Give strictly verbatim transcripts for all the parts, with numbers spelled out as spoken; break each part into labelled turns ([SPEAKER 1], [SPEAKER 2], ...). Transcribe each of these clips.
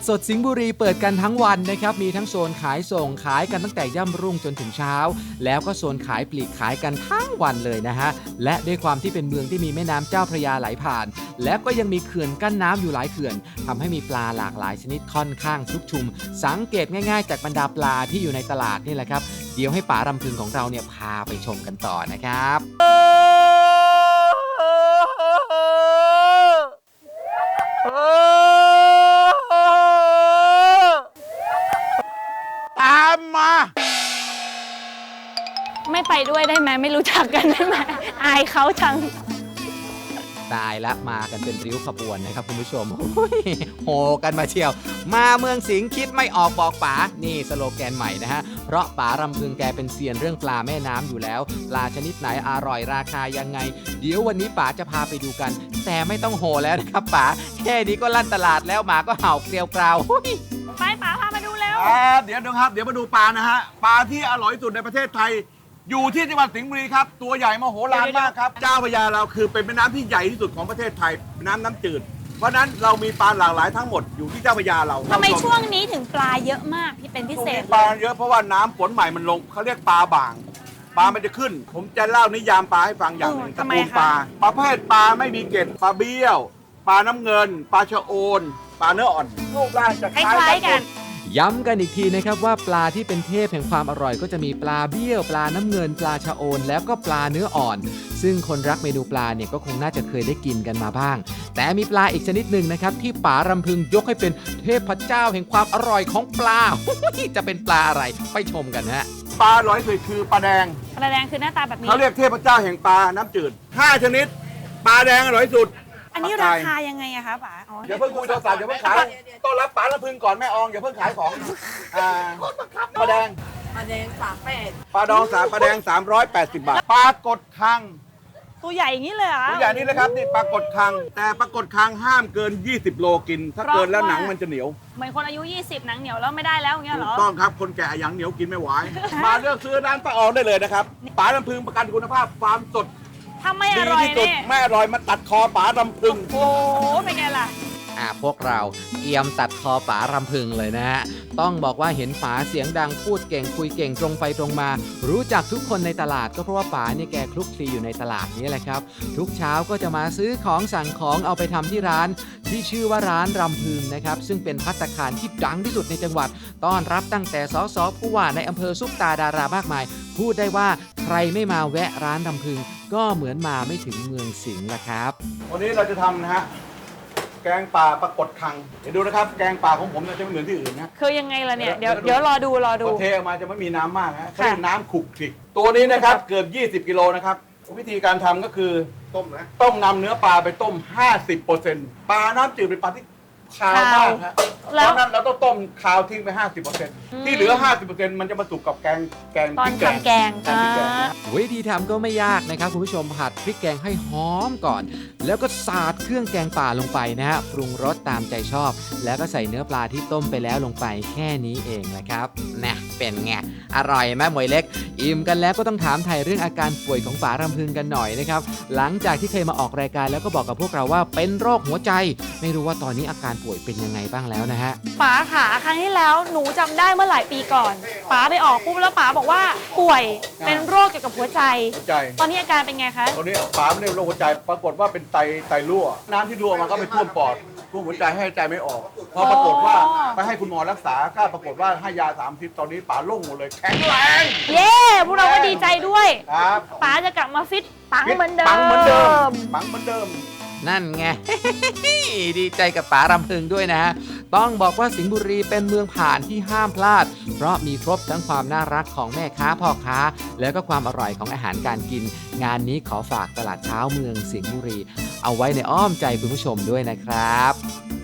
[SPEAKER 1] สดสิงห์บุรีเปิดกันทั้งวันนะครับมีทั้งโซนขายส่งขายกันตั้งแต่ย่ำรุ่งจนถึงเช้าแล้วก็โซนขายปลีกขายกันทั้งวันเลยนะฮะและด้วยความที่เป็นเมืองที่มีแม่น้ำเจ้าพระยาไหลผ่านและก็ยังมีเขื่อนกั้นน้ำอยู่หลายเขื่อนทำให้มีปลาหลากหลายชนิดค่อนข้างชุกชุมสังเกตง่ายๆจากบรรดาปลาที่อยู่ในตลาดนี่แหละครับเดี๋ยวให้ป๋ารำพึงของเราเนี่ยพาไปชมกันต่อนะครับ
[SPEAKER 2] ตามมา
[SPEAKER 3] ไม่ไปด้วยได้ไหมไม่รู้จักกันได้ไหมอายเขาจัง
[SPEAKER 1] ตายละมากันเป็นริ้วขบวนนะครับคุณผู้ชมโหกันมาเชียวมาเมืองสิงห์คิดไม่ออกบอกป๋านี่สโลแกนใหม่นะฮะเพราะป๋ารำพึงแกเป็นเซียนเรื่องปลาแม่น้ำอยู่แล้วปลาชนิดไหนอร่อยราคายังไงเดี๋ยววันนี้ป๋าจะพาไปดูกันแต่ไม่ต้องโหแล้วนะครับป๋าแค่นี้ก็ลั่นตลาดแล้วหมาก็เห่าเกลียวกราว
[SPEAKER 3] ไปป๋าพามาดูแล้ว
[SPEAKER 2] เดี๋ยวนะครับเดี๋ยวมาดูปลานะฮะปลาที่อร่อยที่สุดในประเทศไทยอยู่ที่จังหวัดสิงห์บุรีครับตัวใหญ่มโหฬารมากครับเจ้าพระยาเราคือเป็นแม่น้ำที่ใหญ่ที่สุดของประเทศไทยเป็นน้ำน้ำจืดเพราะนั้นเรามีปลาหลากหลายทั้งหมดอยู่ที่เจ้าพระยาเรา
[SPEAKER 3] ทำไมช่วงนี้ถึงปลาเยอะมากที่เป็นพิเศษ
[SPEAKER 2] ปลาเยอะเพราะว่าน้ำฝนใหม่มันลงเขาเรียกปลาบางปลามันจะขึ้นผมจะเล่านิยามปลาให้ฟังอย่างหนึ่งตระกูลปลาประเภทปลาไม่มีเกล็ดปลาเบี้ยวปลาน้ำเงินปลาชะโอนปลาเนื้ออ่อนรูปร่างจะคล้ายกัน
[SPEAKER 1] ย้ำกันอีกทีนะครับว่าปลาที่เป็นเทพแห่งความอร่อยก็จะมีปลาเบี้ยวปลาน้ำเงินปลาชะโอนแล้วก็ปลาเนื้ออ่อนซึ่งคนรักเมนูปลาเนี่ยก็คงน่าจะเคยได้กินกันมาบ้างแต่มีปลาอีกชนิดหนึ่งนะครับที่ป๋ารำพึงยกให้เป็นเทพเจ้าแห่งความอร่อยของปลาจะเป็นปลาอะไรไปชมกันฮะ
[SPEAKER 2] ปลาร้อยสุดคือปลาแดง
[SPEAKER 3] ปลาแดงคือหน้าตาแบบนี้
[SPEAKER 2] เขาเรียกเทพเจ้าแห่งปลาน้ำจืดห้าชนิดปลาแดงอร่อยสุด
[SPEAKER 3] อันนี้ราคายังไงอะคะป๋า
[SPEAKER 2] อย่าเพิ่งคุยโทรศัพท์อย่าเพิ่งขายต้อนรับป๋าละพึงก่อนแม่อองอย่าเพิ่งขายของอ่าปลาแดง
[SPEAKER 4] ปลาแดงสามแปด
[SPEAKER 2] ปลาดองสามปลาแดงสามร้อยแปดสิบบาทปลากดคัง
[SPEAKER 3] ตัวใหญ่อย่างนี้เลยเหรอ
[SPEAKER 2] ตัวใหญ่นี่เลยครับนี่ปลากดคังแต่ปลากดคังห้ามเกินยี่สิบโลกินถ้าเกินแล้วหนังมันจะเหนียว
[SPEAKER 3] เหมือนคนอายุยี่สิบหนังเหนียวแล้วไม่ได้แล้วอย่างเงี้ยเหรอ
[SPEAKER 2] ต้องครับคนแก่หนังเหนียวกินไม่ไหวมาเลือกซื้อร้านป้าอองได้เลยนะครับป๋าลำพึงประกันคุณภาพความสด
[SPEAKER 3] ถ้าไม่อร่อย
[SPEAKER 2] เนี่ยไม่อร่อยมาตัดคอป๋ารำพึง
[SPEAKER 3] โอ้เป็นไงล่ะ
[SPEAKER 1] อ่าพวกเราเอียมตัดคอป๋ารำพึงเลยนะฮะต้องบอกว่าเห็นป๋าเสียงดังพูดเก่งคุยเก่งตรงไปตรงมารู้จักทุกคนในตลาดก็เพราะว่าป๋าเนี่ยแกคลุกคลีอยู่ในตลาดนี้แหละครับทุกเช้าก็จะมาซื้อของสั่งของเอาไปทำที่ร้านที่ชื่อว่าร้านรำพึงนะครับซึ่งเป็นภัตตาคารที่ดังที่สุดในจังหวัดต้อนรับตั้งแต่สสผู้ว่าในอำเภอซุปตาดารามากมายพูดได้ว่าใครไม่มาแวะร้านรำพึงก็เหมือนมาไม่ถึงเมืองสิงห์ละครับ
[SPEAKER 2] วันนี้เราจะทำนะฮะแกงป่าปลากดคังเดี๋ยวดูนะครับแกงป่าของผมจะไม่เหมือนที่อื่นนะ
[SPEAKER 3] คือยังไงล่ะเนี่ยเดี๋ยวเดี๋ยวรอดูรอดู
[SPEAKER 2] เทออกมาจะไม่มีน้ำมากนะเขาเรียกน้ำขุกขิกตัวนี้นะครับเกือบยี่สิบกิโลนะครับวิธีการทำก็คือต้มนะต้มนำเนื้อปลาไปต้ม ห้าสิบเปอร์เซ็นต์ ปลาน้ำจืดเป็นปลาที่คาวมากครับเพราะนั้นเราต้องต้มคาวทิ้งไป ห้าสิบเปอร์เซ็นต์ ที่เหลือ ห้าสิบเปอร์เซ็นต์ มันจะมาสุกกับแกงแกง
[SPEAKER 3] ตอนทำแกง
[SPEAKER 1] วิธีทำก็ไม่ยากนะครับคุณผู้ชมผัดพริกแกงให้หอมก่อนแล้วก็สาดเครื่องแกงป่าลงไปนะฮะปรุงรสตามใจชอบแล้วก็ใส่เนื้อปลาที่ต้มไปแล้วลงไปแค่นี้เองแหละครับนะเป็นไงอร่อยไหมหมวยเล็กอิ่มกันแล้วก็ต้องถามไทยเรื่องอาการป่วยของป๋ารำพึงกันหน่อยนะครับหลังจากที่เคยมาออกรายการแล้วก็บอกกับพวกเราว่าเป็นโรคหัวใจไม่รู้ว่าตอนนี้อาการป่วยเป็นยังไงบ้างแล้วนะฮะ
[SPEAKER 3] ป๋าขาครั้งที่แล้วหนูจำได้เมื่อหลายปีก่อนป๋าไปออกปุ๊บแล้วป๋าบอกว่าป่วยเป็นโรคเกี่ยวกับหัวใจตอนนี้อาการเป็นไงคะ
[SPEAKER 2] ตอนนี้ป๋าไม่ได้โรคหัวใจปรากฏว่าเป็นไตไตรั่วน้ำที่รั่วมาก็ไปท่วมปอดท่วมหัวใจให้ใจไม่ออกพอปรากฏว่าไปให้คุณหมอรักษาก็ปรากฏว่าให้ยาสามสิบตอนนี้ป๋าโล่งหมดเลยแข็งแรง
[SPEAKER 3] เย้พวกเราก็ดีใจด้วย
[SPEAKER 2] ครับ
[SPEAKER 3] ป๋าจะกลับมาฟิตปังเหมือนเดิม
[SPEAKER 2] ปังเหมือนเดิมปังเหมือนเดิม
[SPEAKER 1] นั่นไง ดีใจกับป๋ารำพึงด้วยนะฮะต้องบอกว่าสิงห์บุรีเป็นเมืองผ่านที่ห้ามพลาดเพราะมีครบทั้งความน่ารักของแม่ค้าพ่อค้าแล้วก็ความอร่อยของอาหารการกินงานนี้ขอฝากตลาดเช้าเมืองสิงห์บุรีเอาไว้ในอ้อมใจคุณผู้ชมด้วยนะครับ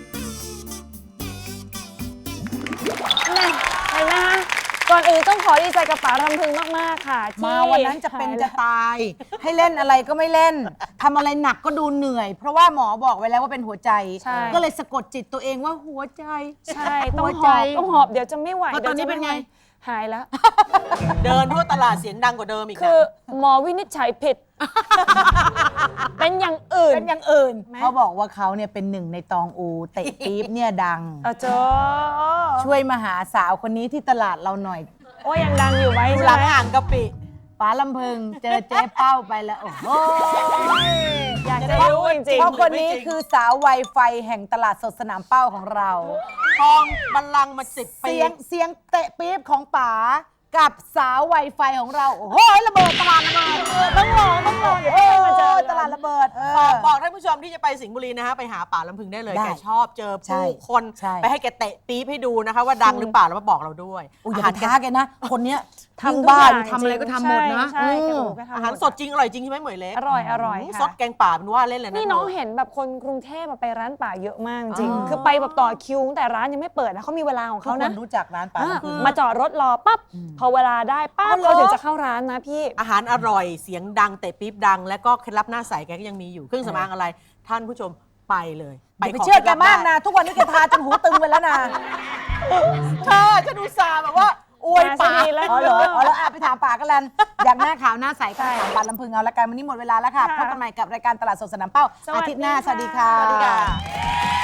[SPEAKER 3] เห็นไหมคะก่อนอื่นต้องขอดีใจกับป๋ารำพึงมากๆค่ะ
[SPEAKER 4] มาวันนั้นจะเป็นจะตายให้เล่นอะไรก็ไม่เล่นทำอะไรหนักก็ดูเหนื่อยเพราะว่าหมอบอกไว้แล้วว่าเป็นหัวใจก็เลยสะกดจิตตัวเองว่าหัวใจ
[SPEAKER 3] ใช่ต้องหอบต้องหอบเดี๋ยวจะไม่ไหว
[SPEAKER 4] ตอนนี้เป็นไง
[SPEAKER 3] หายแล้ว
[SPEAKER 4] เดินทั่วตลาดเสียงดังกว่าเดิมอีก
[SPEAKER 3] คือหมอวินิจฉัยผิดเป็นอย่างอื่น
[SPEAKER 4] เป็นอย่างอื่น
[SPEAKER 3] ไหม
[SPEAKER 4] เขาบอกว่าเขาเนี่ยเป็นหนึ่งในตองอูเตะปี๊บเนี่ยดัง
[SPEAKER 3] เออเจอ
[SPEAKER 4] ช่วยมาหาสาวคนนี้ที่ตลาดเราหน่อย
[SPEAKER 3] โอ้ยยังดังอยู่ไหม
[SPEAKER 4] ห
[SPEAKER 3] ใช่
[SPEAKER 4] ลัง
[SPEAKER 3] ไหม
[SPEAKER 4] อ่างกะปิป๋าลำพึงเจอเจ๊เป้าไปแล้ว โอ้โห
[SPEAKER 3] อยากจะรู้จริง
[SPEAKER 4] เพราะคนนี้คือสาวไวไฟแห่งตลาดสดสนามเป้าของเรา
[SPEAKER 5] ทองบัลลังก์มาสิบปี
[SPEAKER 4] เสียงเสียงเตะปี๊บของป๋ากับสาวไวไฟของเรา โอ้โหระเบิดตลาดระเบิดต้องลองต้องลอง
[SPEAKER 3] เดี๋ยวต้องมาเจอกัน
[SPEAKER 4] ตลาดระเบิด
[SPEAKER 5] บอกบอกท่านผู้ชมที่จะไปสิงห์บุรีนะฮะไปหาป่าลำพึงได้เลย
[SPEAKER 4] ได้
[SPEAKER 5] แกชอบเจอ
[SPEAKER 4] ใช่
[SPEAKER 5] ผู้คน
[SPEAKER 4] ใช่
[SPEAKER 5] ไปให้แกเตะปี๊บให้ดูนะคะว่าดังหรือเปล่าแล้วมาบอกเราด้วย
[SPEAKER 4] อุ้ยอย่า
[SPEAKER 5] อา
[SPEAKER 4] ไป
[SPEAKER 5] หาร
[SPEAKER 4] ท้าแกนะ คนเนี้ย
[SPEAKER 3] ทำ
[SPEAKER 4] ทำ
[SPEAKER 3] ทุก
[SPEAKER 4] บ้า
[SPEAKER 3] อน ย่าง
[SPEAKER 4] ทำอะไรก็ทำหมดนะ
[SPEAKER 3] ใช่ใช่แก
[SPEAKER 4] อืม
[SPEAKER 3] บอกแกทำหม
[SPEAKER 5] อาหารสดจริงอร่อยจริงใช่ไหมเหมยเล็ก
[SPEAKER 3] อร่อยอร่อย
[SPEAKER 5] ม
[SPEAKER 3] ค่ะ
[SPEAKER 5] ซดแกงป่าเป็นว่าเล่นเลยนะ
[SPEAKER 3] นี่น้อง
[SPEAKER 5] ธ
[SPEAKER 3] เห็นแบบคนกรุงเทพมาไปร้านป่าเยอะมากจริง
[SPEAKER 5] อ๋อ
[SPEAKER 3] คือไปแบบต่อคิวตั้งแต่ร้านยังไม่เปิดนะเขามีเวลาของ
[SPEAKER 4] ทุก
[SPEAKER 3] เขา
[SPEAKER 4] ค
[SPEAKER 3] นะ
[SPEAKER 4] นรู้จักร้านป๋า
[SPEAKER 3] อ่ะ
[SPEAKER 4] ลำพึง
[SPEAKER 3] มาจอดรถรอปั๊บพอเวลาได้ปั๊บ
[SPEAKER 4] อ๋อเหรอ
[SPEAKER 3] เขาถึงจะเข้าร้านนะพี่
[SPEAKER 5] อาหารอร่อยเสียงดังเตะปี๊บดัง และก็เคล็ดลับหน้าใสแกก็ยังมีอยู่เครื่องสำอางอะไร ท่านผู้ชมไปเลย
[SPEAKER 4] อย่าไป
[SPEAKER 5] ข
[SPEAKER 4] เชื่อแกมาก
[SPEAKER 5] เคล็ดลับ
[SPEAKER 4] นะ ทุกวันนี้แกทาจนหูตึงไปแล้วนะ
[SPEAKER 5] ได้เธอฉันดูซาห์แบบว่าอวย
[SPEAKER 3] มาซะ
[SPEAKER 5] ป่า
[SPEAKER 3] ดีแล้ว
[SPEAKER 4] อ๋อเหรออ๋อแล้วอ่ะไปถามป๋ากันลันอยากหน้าขาวหน้าใสก็ถามป๋าลำพึงเอาละกันวันนี้หมดเวลาแล้วค่ะ
[SPEAKER 3] ค่ะ
[SPEAKER 4] พบกันใหม่กับรายการตลาดสดสนามเป้า
[SPEAKER 3] สวัสดี
[SPEAKER 4] อาทิตย์หน้า
[SPEAKER 3] ค่ะ
[SPEAKER 4] สวัสดีค่ะ
[SPEAKER 5] สวัสดีค่ะ